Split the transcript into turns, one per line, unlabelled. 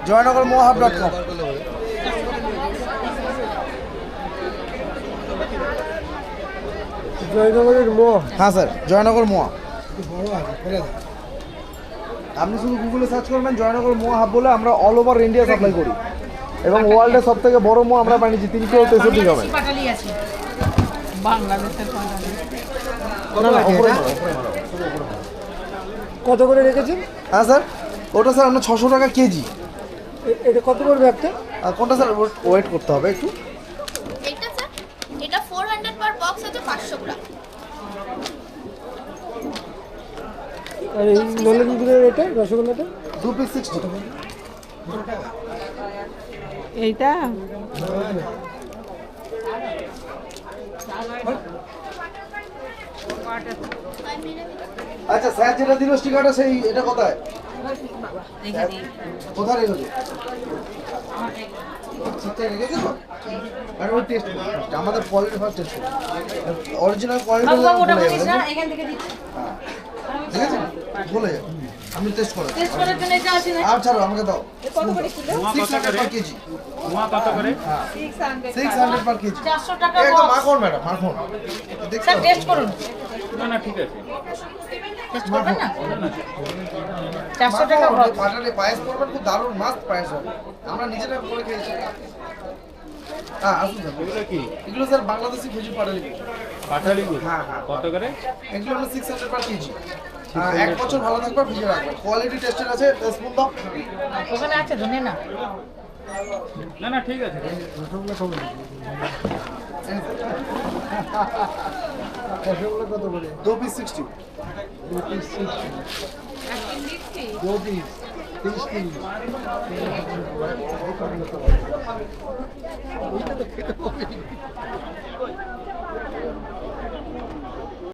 joynagarmoahub.com।
জয়নগরের মোয়া।
হ্যাঁ স্যার, জয়নগর মোয়া। আপনি শুধু গুগলে সার্চ করবেন জয়নগর মোয়া হাব বলে, আমরা অল ওভার ইন্ডিয়া সাপ্লাই করি এবং ওয়ার্ল্ডের সব থেকে বড় মোয়া আমরা বানিয়েছি 363 গ্রামের।
কত করে রেখেছেন?
হ্যাঁ স্যার, ওটা স্যার আমরা 600 টাকা কেজি।
এটা কত পড়বে একটা?
আর কোনটা স্যার ওয়েট করতে হবে একটু।
এটা স্যার, এটা 400 পার বক্স আছে 500 গ্রাম।
আর এই নলেনগুড়ের এটা রসগোল্লাটা
2 পিস 60।
এইটা
আচ্ছা স্যার যেটা দিল স্টিকারটা সেই এটা কোথায় কোথায় রেখেছো? ঠিকঠাক রেখেছো তো? আর ওই টেস্ট আমাদের quality first taste original quality
এখান থেকে দিচ্ছি।
ঠিক আছে বলে যাও। আমি টেস্ট করে
টেস্ট করার জন্য এটা আছে না?
আর ছাড়ো আমাকে দাও।
কত করে কিলো?
600 পার কেজি।
মোয়া কত করে?
600 পার কেজি।
400 টাকা
একদম
বক্স।
মাখন ম্যাডাম, মাখন।
স্যার টেস্ট করুন।
না না ঠিক আছে।
টেস্ট করবেন না? 400 টাকা বক্স।
পাটালে পায়েস করবেন, খুব দারুণ মাস্ট পায়েস হবে। আমরা নিজেরা করে খেয়েছি। হ্যাঁ আসুন স্যার।
এগুলো কি?
এগুলো স্যার বাংলাদেশি খেজুর পাটালি।
পাটালি গুড়?
হ্যাঁ হ্যাঁ।
কত করে?
এগুলো হলো 600 পার কেজি। এক বছর ভালো থাকবে, ফ্রিজে রাখবেন। কোয়ালিটি টেস্টেড আছে, স্পুন দাও।
ওখানে আছে ধনে না?
না না ঠিক আছে।
রসগোল্লা কত করে?
2 পিস 60।
2 পিস 60। 2 পিস 30।